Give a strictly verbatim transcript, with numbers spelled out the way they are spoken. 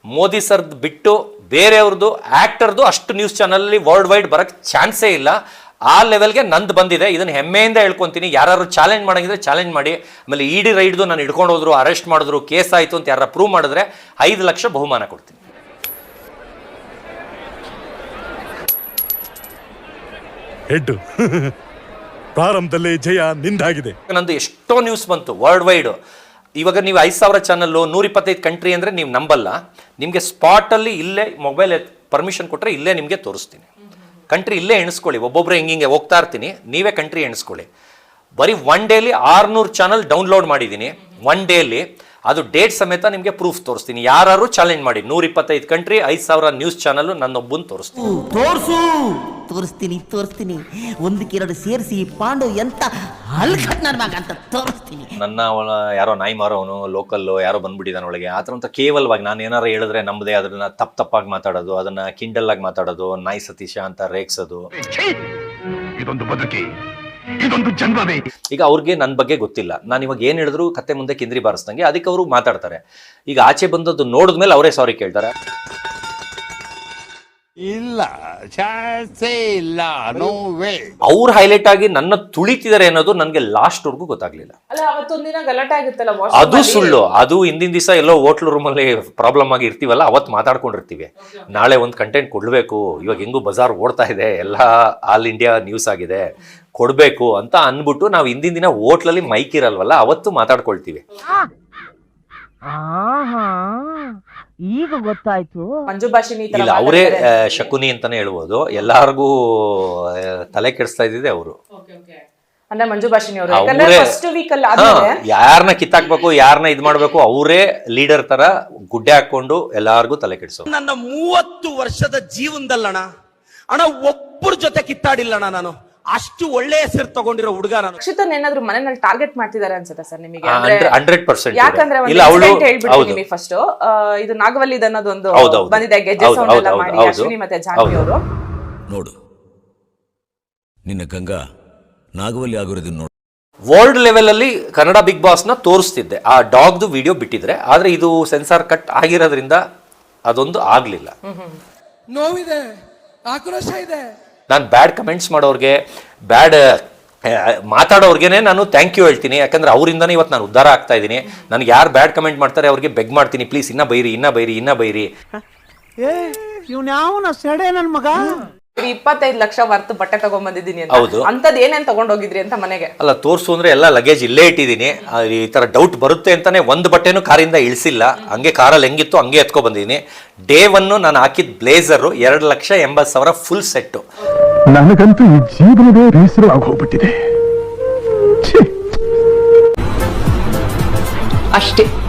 ಮೋದಿ ಸರ್ದು ಬಿಟ್ಟು ಬೇರೆಯವ್ರದ್ದು ಆ್ಯಕ್ಟರ್ದು ಅಷ್ಟು ನ್ಯೂಸ್ ಚಾನಲಲ್ಲಿ ವರ್ಲ್ಡ್ ವೈಡ್ ಬರೋಕ್ಕೆ ಚಾನ್ಸೇ ಇಲ್ಲ. ಆ ಲೆವೆಲ್ಗೆ ನಂದು ಬಂದಿದೆ. ಇದನ್ನು ಹೆಮ್ಮೆಯಿಂದ ಹೇಳ್ಕೊತೀನಿ. ಯಾರು ಚಾಲೆಂಜ್ ಮಾಡೋಂಗಿದ್ರೆ ಚಾಲೆಂಜ್ ಮಾಡಿ. ಆಮೇಲೆ ಇ ಡಿ ರೈಡ್ದು ನಾನು ಹಿಡ್ಕೊಂಡು ಹೋದ್ರು, ಅರೆಸ್ಟ್ ಮಾಡಿದ್ರು, ಕೇಸ್ ಆಯಿತು ಅಂತ ಯಾರು ಪ್ರೂವ್ ಮಾಡಿದ್ರೆ ಐದು ಲಕ್ಷ ಬಹುಮಾನ ಕೊಡ್ತೀನಿ. ಹೆಡ್ಡು ಪ್ರಾರಂಭದಲ್ಲೇ ಜಯ ನಿಂದಾಗಿದೆ. ನಂದು ಎಷ್ಟೋ ನ್ಯೂಸ್ ಬಂತು ವರ್ಲ್ಡ್ ವೈಡ್. ಇವಾಗ ನೀವು ಐದು ಸಾವಿರ ಚಾನಲ್ಲು ನೂರ ಇಪ್ಪತ್ತೈದು ಕಂಟ್ರಿ ಅಂದರೆ ನೀವು ನಂಬಲ್ಲ. ನಿಮಗೆ ಸ್ಪಾಟಲ್ಲಿ ಇಲ್ಲೇ ಮೊಬೈಲ್ ಪರ್ಮಿಷನ್ ಕೊಟ್ಟರೆ ಇಲ್ಲೇ ನಿಮಗೆ ತೋರಿಸ್ತೀನಿ. ಕಂಟ್ರಿ ಇಲ್ಲೇ ಎಣಿಸ್ಕೊಳ್ಳಿ. ಒಬ್ಬೊಬ್ಬರು ಹೆಂಗೆ ಹಿಂಗೆ ಹೋಗ್ತಾ ಇರ್ತೀನಿ, ನೀವೇ ಕಂಟ್ರಿ ಎಣಿಸ್ಕೊಳ್ಳಿ. ಬರೀ ಒನ್ ಡೇಲಿ ಆರುನೂರು ಚಾನಲ್ ಡೌನ್ಲೋಡ್ ಮಾಡಿದ್ದೀನಿ. ಒನ್ ಡೇಲಿ ಅದು ಡೇಟ್ ಸಮೇತ ನಿಮಗೆ ಪ್ರೂಫ್ ತೋರಿಸ್ತೀನಿ. ಯಾರು ಚಾಲೆಂಜ್ ಮಾಡಿ ನೂರ ಇಪ್ಪತ್ತೈದು ಕಂಟ್ರಿ ಐದು ಸಾವಿರ ನ್ಯೂಸ್ ಚಾನಲ್ ನನ್ನೊಬ್ಬನ ತೋರಿಸ್ತೀನಿ. ತೋರಿಸು ತೋರಿಸ್ತೀನಿ ತೋರಿಸ್ತೀನಿ ಒಂದಕ್ಕೆರಡು ಸೇರಿಸಿ ಪಾಂಡು ಎಂತ ಹಲ್ಕಟ್ನಾರ್ಮಾಗ ಅಂತ ತೋರಿಸ್ತೀನಿ. ನನ್ನ ಯಾರೋ ನಾಯಿ ಮಾರೋನು ಲೋಕಲ್ಲು ಯಾರೋ ಬಂದ್ಬಿಟ್ಟಿದ್ದಾನೆ ಒಳಗೆ. ಆ ಥರ ಅಂತ ಕೇವಲವಾಗಿ ನಾನು ಏನಾರು ಹೇಳಿದ್ರೆ ನಮ್ಮದೇ ಅದನ್ನ ತಪ್ಪು ತಪ್ಪಾಗಿ ಮಾತಾಡೋದು, ಅದನ್ನ ಕಿಂಡಲ್ ಆಗಿ ಮಾತಾಡೋದು, ನಾಯಿ ಸತೀಶ ಅಂತ ರೇಗ್ಸೋದು. ಇದೊಂದು ಬದುಕಿ, ಇದೊಂದು ಜನ್ಮವೇ. ಈಗ ಅವ್ರಿಗೆ ನನ್ನ ಬಗ್ಗೆ ಗೊತ್ತಿಲ್ಲ. ನಾನು ಇವಾಗ ಏನು ಹೇಳಿದ್ರು ಕತ್ತೆ ಮುಂದೆ ಕಿಂದ್ರಿ ಬಾರಿಸ್ದಂಗೆ ಅದಕ್ಕೆ ಅವರು ಮಾತಾಡ್ತಾರೆ. ಈಗ ಆಚೆ ಬಂದದ್ದು ನೋಡಿದ್ಮೇಲೆ ಅವರೇ ಸಾರಿ ಕೇಳ್ತಾರೆ. ಇಲ್ಲ ಚಾನ್ಸೇ ಇಲ್ಲ, ನೋ ವೇ. ಅವ್ರು ಹೈಲೈಟ್ ಆಗಿ ನನ್ನ ತುಳಿತಿದ್ದಾರೆ ಅನ್ನೋದು ನನಗೆ ಲಾಸ್ಟ್ ವರ್ಗೂ ಗೊತ್ತಾಗ್ಲಿಲ್ಲ. ಅದು ಸುಳ್ಳು. ಅದು ಹಿಂದಿನ ದಿವಸ ಎಲ್ಲೋ ಹೋಟ್ಲ್ ರೂಮಲ್ಲಿ ಪ್ರಾಬ್ಲಮ್ ಆಗಿ ಇರ್ತೀವಲ್ಲ, ಅವತ್ತು ಮಾತಾಡ್ಕೊಂಡಿರ್ತೀವಿ. ನಾಳೆ ಒಂದು ಕಂಟೆಂಟ್ ಕೊಡ್ಬೇಕು, ಇವಾಗ ಹೆಂಗೂ ಬಜಾರ್ ಓಡ್ತಾ ಇದೆ, ಎಲ್ಲ ಆಲ್ ಇಂಡಿಯಾ ನ್ಯೂಸ್ ಆಗಿದೆ, ಕೊಡ್ಬೇಕು ಅಂತ ಅನ್ಬಿಟ್ಟು ನಾವು ಹಿಂದಿನ ದಿನ ಹೋಟ್ಲಲ್ಲಿ ಮೈಕ್ ಇರಲ್ವಲ್ಲ, ಅವತ್ತು ಮಾತಾಡ್ಕೊಳ್ತೀವಿ. ಈಗ ಗೊತ್ತಾಯ್ತು. ಮಂಜು ಭಾಷಿನಿ ಇಲ್ಲ, ಅವರೇ ಶಕುನಿ ಅಂತಾನೆ ಹೇಳ್ಬೋದು. ಎಲ್ಲಾರ್ಗೂ ತಲೆ ಕೆಡಿಸ್ತಾ ಇದ್ದಿದೆ ಅವರು. ಅಂದ್ರೆ ಮಂಜು ಭಾಷಿನಿ ಅವರು ಯಾರನ್ನ ಕಿತ್ತಾಕ್ಬೇಕು, ಯಾರನ್ನ ಇದ್ ಮಾಡ್ಬೇಕು, ಅವರೇ ಲೀಡರ್ ತರ ಗುಡ್ಡೆ ಹಾಕೊಂಡು ಎಲ್ಲಾರ್ಗು ತಲೆ ಕೆಡಿಸೋ. ನನ್ನ ಮೂವತ್ತು ವರ್ಷದ ಜೀವನದಲ್ಲಣ ಅಣ್ಣ ಒಬ್ಬರ ಜೊತೆ ಕಿತ್ತಾಡಿಲ್ಲಣ್ಣ ನಾನು. ಅಷ್ಟು ಒಳ್ಳೆ ಹೆಸರು ತಗೊಂಡಿರೋ ಹುಡುಗ ನಾನು. ರಕ್ಷಿತನ್ ಏನಾದ್ರು ಮನೆಯಲ್ಲಿ ಟಾರ್ಗೆಟ್ ಮಾಡ್ತಿದ್ದಾರೆ ಅನ್ಸುತ್ತೆ ಸರ್ ನಿಮಗೆ? Hundred percent. ಯಾಕಂದ್ರೆ ಹೇಳ್ಬಿಡ್ತೀನಿ ಫಸ್ಟ್, ಇದು ನಾಗವಲ್ಲಿದ್ ಅನ್ನೋದು ಒಂದು ಬಂದಿದೆ, ಗೆಜ್ಜೆ ಸೌಂಡ್ ಎಲ್ಲ ಮಾಡಿ ಅಶ್ವಿನಿ ಮತ್ತೆ ಜಾನ್ವಿ ಅವರು. ನೋಡು ನಿನ್ನ ಗಂಗಾ ನಾಗವಲ್ಲಿ ಆಗಿರೋದನ್ನ ನೋಡು. ವರ್ಲ್ಡ್ ಲೆವೆಲ್ ಅಲ್ಲಿ ಕನ್ನಡ ಬಿಗ್ ಬಾಸ್ ನ ತೋರಿಸ್ತಿದ್ದೆ, ಆ ಡಾಗ್ದು ವಿಡಿಯೋ ಬಿಟ್ಟಿದ್ರೆ. ಆದ್ರೆ ಇದು ಸೆನ್ಸಾರ್ ಕಟ್ ಆಗಿರೋದ್ರಿಂದ ಅದೊಂದು ಆಗ್ಲಿಲ್ಲ. ನೋವಿದೆ, ಆಕ್ರೋಶ ಇದೆ. ನಾನು ಬ್ಯಾಡ್ ಕಮೆಂಟ್ಸ್ ಮಾಡೋರ್ಗೆ, ಬ್ಯಾಡ್ ಮಾತಾಡೋರ್ಗೆನೆ ನಾನು ಥ್ಯಾಂಕ್ ಯು ಹೇಳ್ತೀನಿ. ಯಾಕಂದ್ರೆ ಅವರಿಂದನೇ ಇವತ್ತು ನಾನು ಉದ್ಧಾರ ಆಗ್ತಾ ಇದ್ದೀನಿ. ನನಗೆ ಯಾರು ಬ್ಯಾಡ್ ಕಮೆಂಟ್ ಮಾಡ್ತಾರೆ ಅವ್ರಿಗೆ ಬೆಗ್ ಮಾಡ್ತೀನಿ, ಪ್ಲೀಸ್ ಇನ್ನ ಬೈರಿ, ಇನ್ನ ಬೈರಿ, ಇನ್ನ ಬೈರಿ. ಇಪ್ಪತ್ತೈದು ಲಕ್ಷ ವರ್ತ್ ಬಟ್ಟೆ ತಗೊಂಡ್ ಬಂದಿದ್ದೀನಿ. ಹೌದು. ಅಂತದ್ ಏನೇನ್ ತಗೊಂಡೋಗಿದ್ರಿ ಅಂತ ಮನೆಗೆ? ಅಲ್ಲ, ತೋರ್ಸು ಅಂದ್ರೆ ಎಲ್ಲ ಲಗೇಜ್ ಇಲ್ಲೇ ಇಟ್ಟಿದ್ದೀನಿ. ಈ ತರ ಡೌಟ್ ಬರುತ್ತೆ ಅಂತಾನೆ ಒಂದು ಬಟ್ಟೆನೂ ಕಾರಿಂದ ಇಳಿಸಿಲ್ಲ. ಹಂಗೆ ಕಾರಲ್ಲಿ ಹೆಂಗಿತ್ತು ಹಂಗೆ ಎತ್ಕೊ ಬಂದಿದ್ದೀನಿ. ಡೇ ಒನ್ನು ನಾನು ಹಾಕಿದ ಬ್ಲೇಸರ್ ಎರಡು ಲಕ್ಷ ಎಂಬತ್ತು ಸಾವಿರ ಫುಲ್ ಸೆಟ್ಟು. ನನಗಂತೂ ಈ ಜೀವನವೇ ಬೇಸರ ಆಗೋಗ್ಬಿಟ್ಟಿದೆ. ಅಷ್ಟೇ.